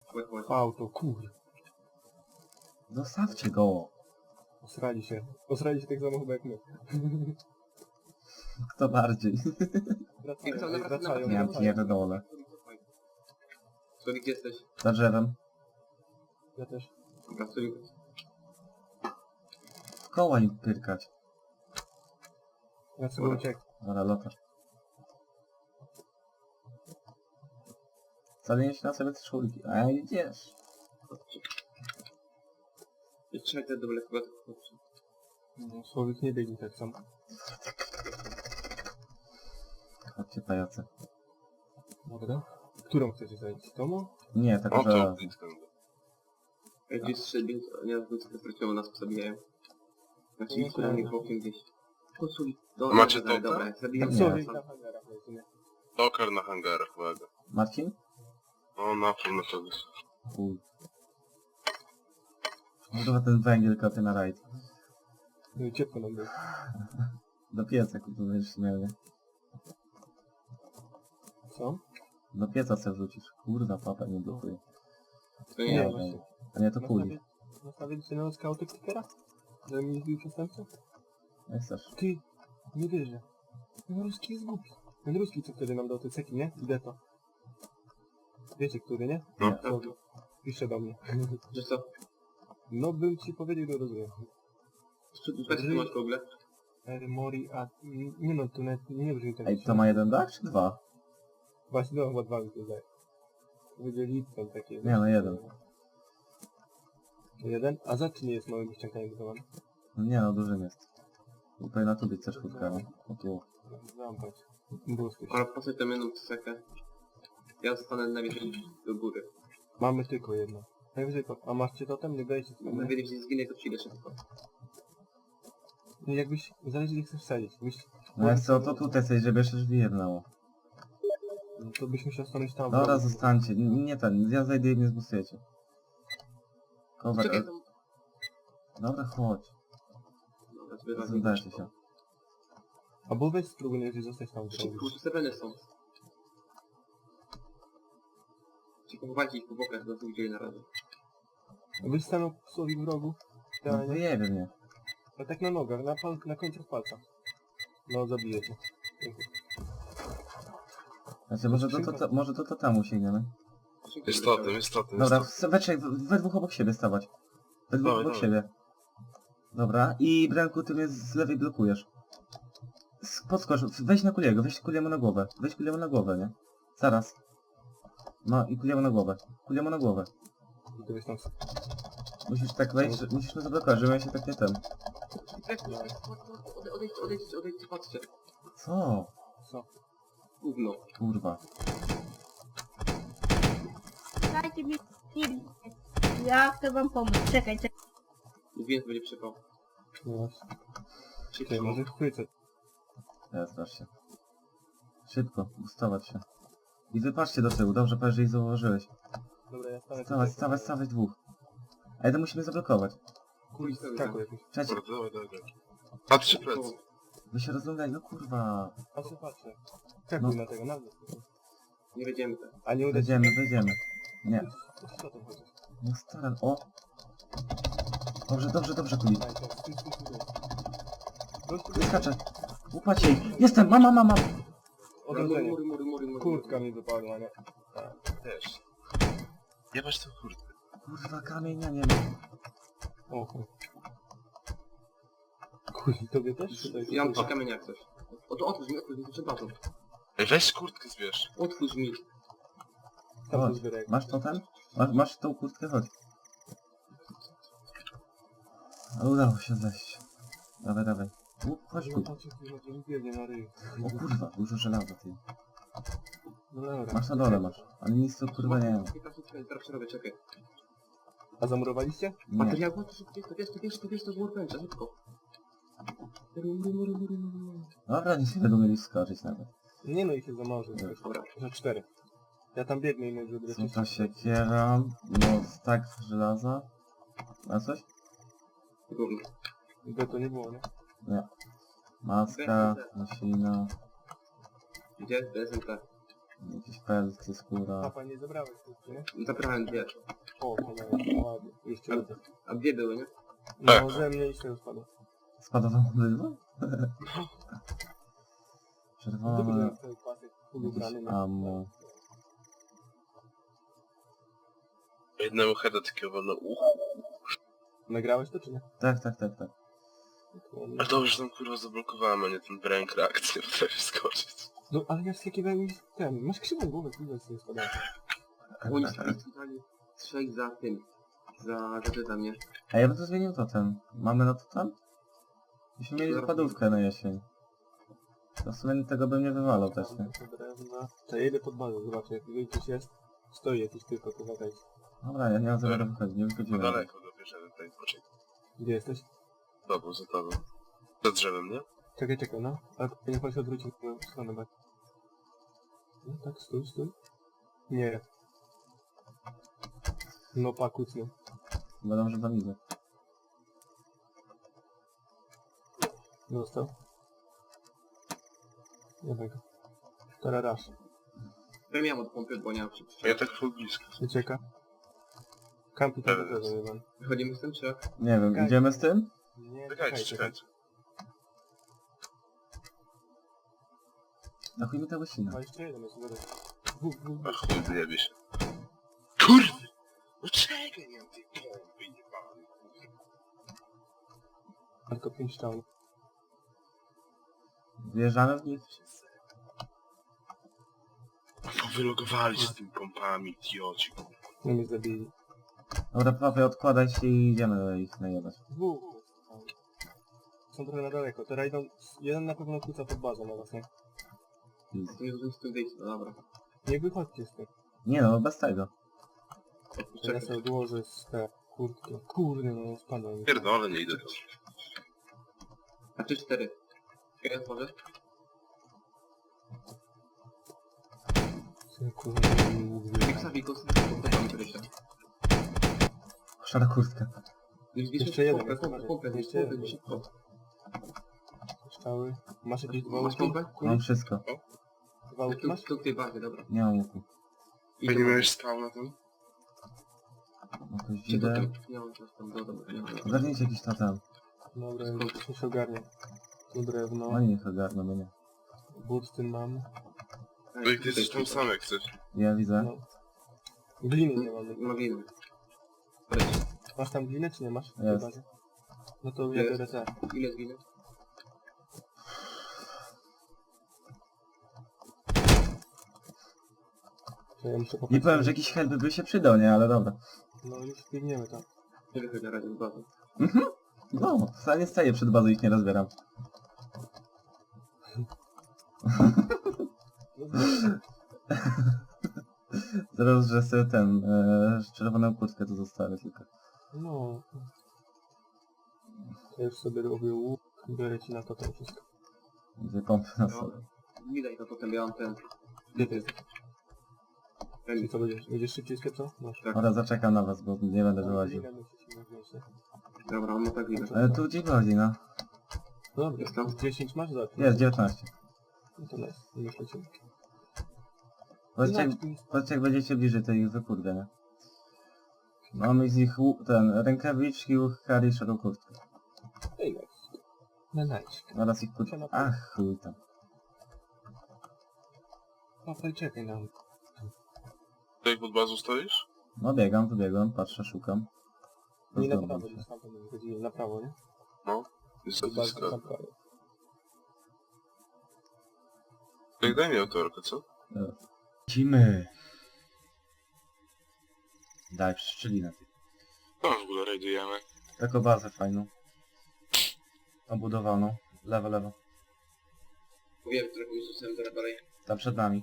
W auto, kur. Zostawcie go. Osrali się. Osrali się tak samo chyba jak my. Kto bardziej? Wracają, Ja pierdolę. Słowik, gdzie jesteś? Za drzewem. Ja też. Dobra, Słowik. W koła im pyrkać. Ja sobie uciekł. Ale lota. Wcale się na sobie te szulki. A ja idziesz. Chodźcie. Trzymaj te doble chyba tylko chodźcie. No, Słowik nie biegnie tak samo. Chodźcie pajace. Dobra. Którą chcecie zająć? Tomu? Nie, tak O że... to blisko. Jak gdzieś strzelby, nie wiem, co straciło, nas zabijają. Znaczy, No, na mnie tak. bokiem gdzieś. Chodź, Słowik. A macie dobra, to? dobra, zabijam Nie. Słowik sam. na hangarach leży, nie? Doker na hangarach, uwaga. Marcin? O, na pewno to jest. Chuj. Chyba ten węgiel kopie na rajd. No i ciepło nam było. Do pieca kurwa będziesz miał, nie? Co? Do pieca se wrzucisz. Kurwa, papa nie blokuje. To Nie, nie, właśnie. A nie to kuli. Nastawiliście na skauty Clickera? Żeby mi zbił przestępcę? Jak chcesz. Ty, nie wierzę. Ten ruski jest głupi. Ten ruski, co wtedy nam dał te ceki, nie? Idę to. Wiecie, który, nie? No. Nie. Słowik. Pisze do mnie. że co? No bym ci powiedział, że rozumiem. Weź tu masz w ogóle. Mori, a... Nie no, to nawet nie brzmi tak. Ej, to ma jeden dach czy dwa? Właśnie, no, chyba dwa mi to zdaje. Będzie Lipton takie. Nie, no jeden. Jeden? A za czy nie jest małym ściankaniem budowany? No nie no, dużym jest. Tutaj na tu być też chutkami. O tu. Zampać. Błyskie. Ale po co tę jedną cekę? Ja zostanę najwyżej do góry. Mamy tylko jedno. Najwyżej to. A macie totem? Nie dajcie sobie. Najwyżej gdzieś zginę, to przyjdę szybko. Nie, jakbyś... Zależy gdzie chcesz wsadzić. No jak co, to tutaj sobie, żeby jeszcze drzwi jednało. No to byś musiał stanąć tam. Dobra, zostańcie. Nie ten, ja zajdę i mnie zbustujecie. Cover. Czekaj, tam... Dobra, chodź. Dobra, zbieram. Zdajcie się. Albo weź spróbuj najwyżej zostać tam. Szybko, tu stepeny są. Ci pochowajcie ich po bokach, do tych dzieli na razie. Byś stanął Słowik w rogu. No Idealnie. wyjebie mnie. A tak na nogach, na końcach palca. No, zabiję cię. Znaczy, może to temu sięgniemy. Jest totem, jest totem, jest Dobra, totem. we trzech, we dwóch obok siebie stawać. We dwóch Dawaj, obok dawaj. siebie. Dobra, i Brenku, ty mnie z lewej blokujesz. Podskocz, weź na Kuliego, weź Kuliemu na głowę. Weź Kuliemu na głowę, nie? Zaraz. No i Kuliemu na głowę. Kuliemu na głowę. I to byś tam... Musisz tak wejść, musisz mnie zablokować, żebym ja się tak nie ten. Odejdźcie, patrzcie. Co? Co? Gówno. Kurwa. Dajcie mi film. Ja chcę wam pomóc. Czekaj. Mówiłem, że będzie przypał. No właśnie. Szybko. Ty, może chwycę. Teraz strasz się. Szybko, ustawać się. I wypatrzcie do tyłu, dobrze, patrz, że ich zauważyłeś. Dobra, ja stanę Stawać dwóch. Ale to musimy zablokować. Kuli skakuj jakiś. Trzeci. Dobra, dawaj, dawaj. Patrzcie plecy. Wy się rozglądaj, no kurwa. Patrzę. Skakuj na tego, na mnie. Nie wiedziemy tak. A nie uda się. Wejdziemy. Nie. Co to chodzi? No staram, o. Dobrze, Kuli. Daj, to, stój. Wyskaczę. Łupacie ich. Jestem, mam. Odrodzenie. Mury. Kurtka mi wypadła, nie? Też. Jebać tą kurtkę. Kurwa, kamienia nie ma. Oho. Kuli, tobie też? Tutaj Ja mam 3 kamienia jak coś. Otwórz mi, to bazą. Ej, weź kurtkę zbierz. Otwórz mi. tam Chodź. zbieraj. Masz to ten? Masz tą kurtkę? Chodź. Ale udało się zejść. Dawaj. Chodź tu. Biegnie na ryj. O kurwa, dużo żelaza ty. No dobra. Masz na dole masz. Ale nic tu kurwa nie ma. Teraz przerobię, czekaj. A zamurowaliście? Nie. Materiał, to wiesz, to z workbencha, szybko. Mury. Dobra, nic nie będą mieli skoczyć nawet. Nie no, ich jest za mało, że Dobra. za 4. Ja tam biegnę i żeby Co to się kieram? No, tak żelaza. A coś? Gówno. By to nie było, nie? Nie. Maska, masina. Gdzie? SMT. Jakieś pelty, skóra. Papa, nie zabrałeś kurczę, nie? Zabrałem 2. O, cholera, ładnie. Jeszcze raz. A 2 były, nie? Tak. No, ze mnie i z tego spadło. Spadło wam obydwa? No to Czerwone. był ten pasek Jakieś ubrany na... ammo. Jednemu heada takiego wolno. Nagrałeś to, czy nie? Tak, tak, tak, tak. A dobrze, że tam kurwa zablokowałem, a nie ten brain crack, nie potrafię skoczyć. No, ale ja wskakiwałem i ten... Masz krzywą głowę, kurwa, z tego spadałem. Oni stali 3 za tym. Za gadżetem, nie? A ja bym to zmienił totem. Mamy na totem? Myśmy mieli wypadówkę na jesień. To w sumie tego bym nie wywalał też, nie? Drewna. To ja jedę pod bazę, zobaczę, jak tutaj coś jest. Stoi jakiś tylko, kurwa, daj. Dobra, ja nie mam zamiaru wychodzić, nie No wychodziłem. daleko go bierze tutaj, poczekaj. Gdzie jesteś? Tobą, za tobą. Za drzewem, nie? Czekaj, no. Ale niech pan się odwróci w moją stronę, bo... No tak, stój. Nie. No pakucny. Będą, że tam idę. Został. Jednego. Teraz raz. Ja miałem od pompy, bo nie mam A ja tak full blisko. Ucieka. Kampi tam Dobra, do tego, Iwan. Wychodzimy z tym, czy jak? Nie wiem, Czekaj. idziemy z tym? Nie, Czekajcie. Na chuj mi ta łysina. A jeszcze jeden jest, uważaj. A chuj, wyjebie się. Kurde! No czekaj, nie mam tej pompy, jebany. Tylko 5 down. Wjeżdżamy w nich? Wylogowali się z tymi pompami, idioci. No mnie zabili. Dobra, papie, odkładaj się i idziemy ich najebać. Dwóch. Są trochę na daleko. Teraz idą... Jeden na pewno kłóca pod bazą na was, nie? To nie zdążyłem z tym wyjść, no dobra. Nie wychodźcie z tym. Nie no, bez tego. Teraz Czekaj. sobie odłożę z te kurtki. Kurde, no spadłem. Pierdolę, nie idę tam. A ty 4. Czekaj, otworzę. Kurde, Wikus, pompami Krysia. Szara kurtka. Jeszcze jeden, jest, Pompę, jeszcze jeden. szybko. Strzały. Masz jakieś dwa Masz łuki? pompę? Mam wszystko. Dwa łuki masz? Tu w tej bazie, dobra. Nie mam łuku. A nie miałeś spał na tym? Jakoś Czy widzę. totem? Nie mam coś tam, no dobra, nie mam. Ogarnijcie jakiś totem. Dobra, już się ogarnie. Tu drewno. Oni niech ogarną mnie. Bursztyn mam. No i ty jesteś tam sam jak chcesz. Ja widzę. No. Gliny nie mam. Maginy. Masz tam glinę czy nie masz? W tej Jest. bazie? No to ja Jest. biorę te. Ile jest gliny? To ja muszę Nie popatrzeć. powiem, że jakiś help by się przydał, nie? Ale dobra. No już biegniemy tam. Nie wychodzi na razie z bazy. No, wcale nie staję przed bazą, ich nie rozbieram. No, dobra. Zaraz, że sobie ten, czerwoną kurtkę tu zostawię tylko. No. To już sobie robię łuk. Biorę ci na to wszystko. Gdzie pompy na No, sobie. nie daj to potem, ja mam ten... Gdzie ty jesteś? ten I co będziesz? Będziesz szybciej sklepcał? Masz. tak. Dobra, zaczekam na was, bo nie będę wyłaził. Glinę musisz mi wziąć, nie? Dobra, on ma tak gliny. Ale tu gdzie chodzi, no? Dobra, Jest tam? 10 masz za Jest, 19. No to nice. Już lecimy. Powiedzcie, jak będziecie bliżej, to ich wykurdę, nie? Mamy z nich ten, rękawiczki, łukari i szarą kurtkę. Ej, nice. No nice. Oraz ich kurtkę. Ach, chuj tam. Papaj, czekaj na mnie. Ty jak pod bazą stoisz? No biegam, wybiegam, patrzę, szukam. Nie na Rozglądam prawo, się. gdzieś tam będziemy chodzili. Na prawo, nie? No. Jest to Bardzo blisko. na prawo. Tak daj mi autorkę, co? Lecimy. Daj, szczelinę. No w ogóle rajdujemy. Taką bazę fajną. Obudowaną. Lewo, lewo. Mówiłem, którego Jezusem zaraz dalej. Tam przed nami.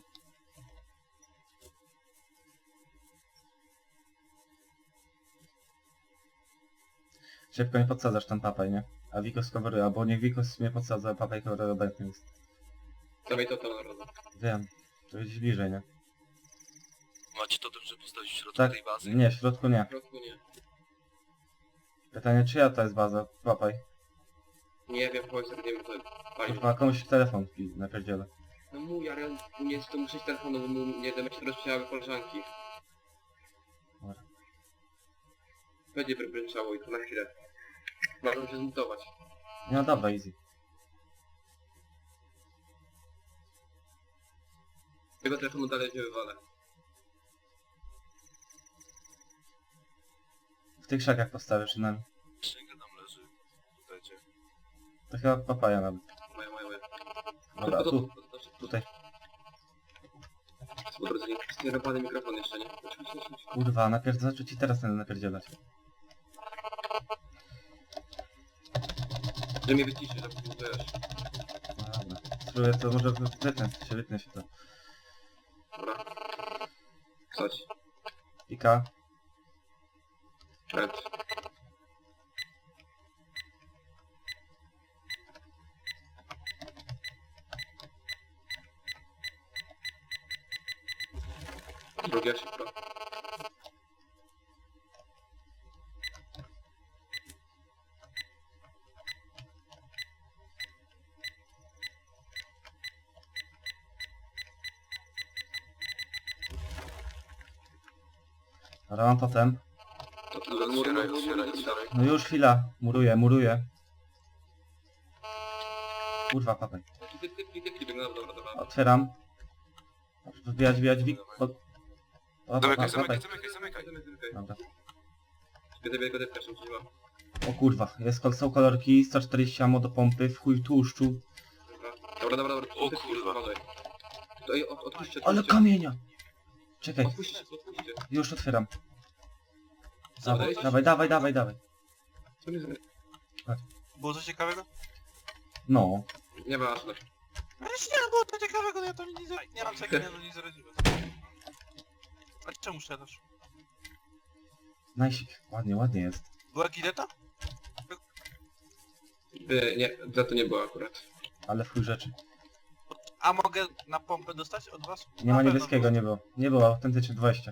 Szybko nie podsadzasz tam papaj, nie? A Wikos coveruje, albo niech Wikos mnie podsadza, a papaj coveruje obecnie jest. Dawaj to narodu. Wiem. To gdzieś bliżej, nie? Macie to dobrze postawić w środku Tak, tej bazy? nie, w środku nie. W środku nie. Pytanie, czyja to jest baza? Papaj. Nie wiem, chodź, nie wiem, to fajnie. Kurwa, komuś telefon napierdzielę. No mój, ale u mnie jest to muszę iść telefonu, bo mu nie będę się rozprzejały koleżanki. Dobra. Będzie bryczało i to na chwilę. Można się zmutować. No dobra, easy. Tego telefonu dalej nie wywalę. W tych krzakach postawię przynajmniej. Szynka tam leży. Dajcie. To chyba papaja nawet. Moja. Dobra, tu, tutaj. Po drodze nie sterowany mikrofon jeszcze, nie? Kurwa, najpierw zaczął ci teraz ten napierdzielać. Że mnie wyciszy, że wiesz. No dobra. Spróbuję to może wytnę się to. Dobra. Coś. Pika. Red. Drugie szybko. Dobra, mam totem. Otwieraj. No już chwila. Muruję. Kurwa, papaj. Dobra. Otwieram. Wbijać, Zamykaj. Dobra. Zabieraj go dewkę, szybciej. O kurwa, są kolorki, 140 ammo do pompy, w chuj tłuszczu. Dobra. O kurwa. Odpuśćcie. Ale kamienia! Czekaj, Odpuśćcie. już otwieram. Dawaj. Dawaj. Co mi zrobię? Było coś ciekawego? No. Nieważne. No jeśli nie było to ciekawego, to ja to nie mam czego, nie zaradziłem. A czemu strzelasz? Najsik, ładnie jest. Była gileta? Nie, za to nie było akurat. Ale w chuj rzeczy. A mogę na pompę dostać od was? Nie ma Na pewno niebieskiego, było. nie było. Nie było, autentycznie 20.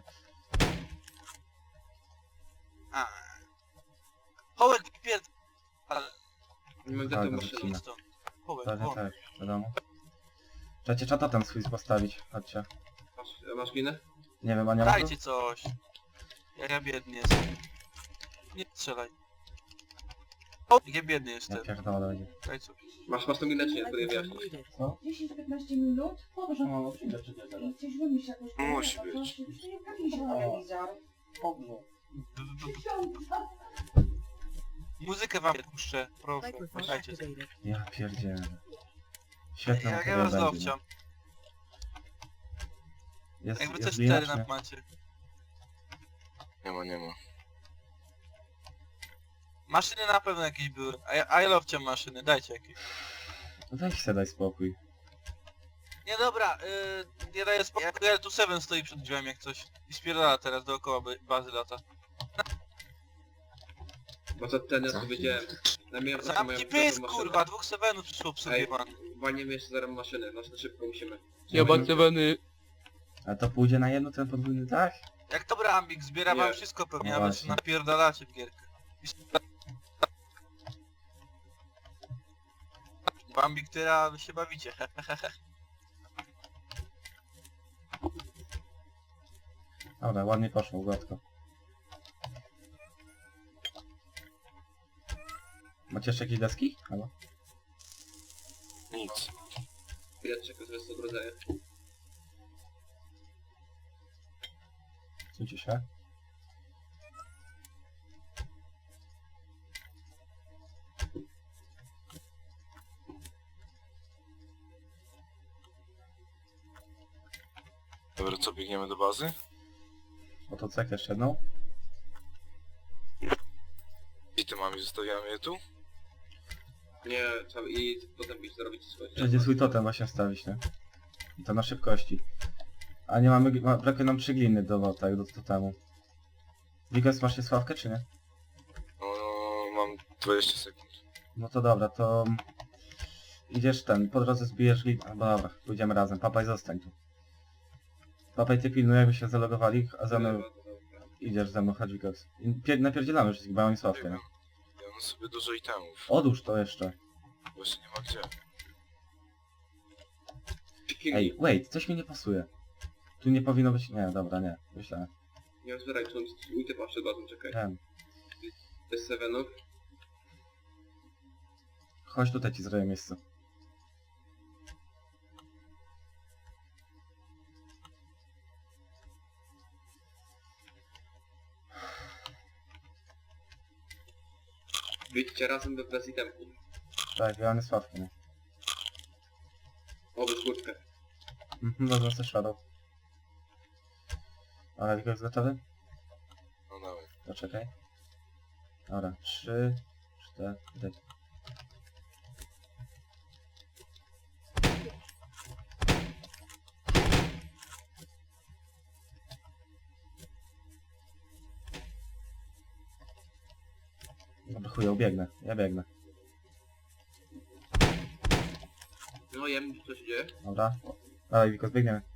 A. Hołek pierd... Ale... Nie mam za Tak, to to maszyny. wycina. stąd. Hołek, Pewnie won. tak, wiadomo. Trzeba czata tam swój postawić, chodźcie. Masz minę? Nie wiem, a nie ma tu? Dajcie coś. Ja biedny jestem. Nie strzelaj. O, ja biedny Ja jestem. pierdolę będzie. Daj coś. Masz tą minę czy nie? To nie wyjaśnisz. Co? 10-15 minut? Dobrze. No, przyjdę czy nie teraz. I coś wymyśl jakoś. Musi być. Telewizor. Ksiądza. Muzykę wam puszczę, proszę. Dajcie. Ja pierdzielę. Świetna Ja materia was będzie. dowciam. Jest, Jakby jest też glina, 4 czy nie? na macie. Nie ma. Maszyny na pewno jakieś były. A ja lowciam maszyny, dajcie jakieś. Weź se daj spokój. Nie dobra, nie daję spokój. Ja tu 7 stoi przed drzwiami jak coś. I spierdala teraz dookoła bazy lata. Bo co ten ja to wiedziałem. Najmniej Zamknij pysk, kurwa, 2 7 przyszło obsługiwać. Walniemy jeszcze zaraz maszyny, no to szybko musimy. A to pójdzie na jedno ten podwójny tak? Jak dobra Ambik, zbiera wam Nie. wszystko pewnie, No a wy właśnie. się napierdalacie w gierkę. Bo Ambik, tyra, wy się bawicie, hehehe. Dobra, ładnie poszło, gładko. Macie jeszcze jakieś deski? Halo? Nic. Chwilę czekam, żeby sobie rodzaje. Słuchajcie się. Dobra, co, biegniemy do bazy? Oto cek jeszcze jedną. I ty mamy, zostawiamy je tu? Nie, trzeba i potem iść zrobić coś. Będzie swój totem właśnie wstawić, nie? I to na szybkości. A nie mamy, brakuje nam 3 gliny do totemu. Wikos, masz się sławkę czy nie? No, mam 20 sekund. No to dobra, to... Idziesz po drodze zbijesz glinę. Albo dobra, pójdziemy razem. Papaj, zostań tu. Papaj, ty pilnuj, jakby się zalogowali, a za mną idziesz ze mną, chodź Wikos. I napierdzielamy wszystkich, bo ja mam sławkę, nie? Ja mam sobie dużo itemów. Odłóż to jeszcze. Właśnie nie ma gdzie. Ej, wait, coś mi nie pasuje. Tu nie powinno być... Nie, dobra, nie. Myślałem. Nie zbieraj, tu mój typa przed bazą, czekaj. Wiem. Bez sevenów. Chodź tutaj ci zrobię miejsce. Wyjdźcie razem bez itemków. Tak, ja mam sławki, nie? O, bez górkę. Wezmę sobie shadow. Ale tylko jest gotowy? No dawaj. Poczekaj. Dobra, 3, 4... Dobra, chuj, ja biegnę. No, jem, co się dzieje? Dobra. Dawaj, Wiko, biegniemy.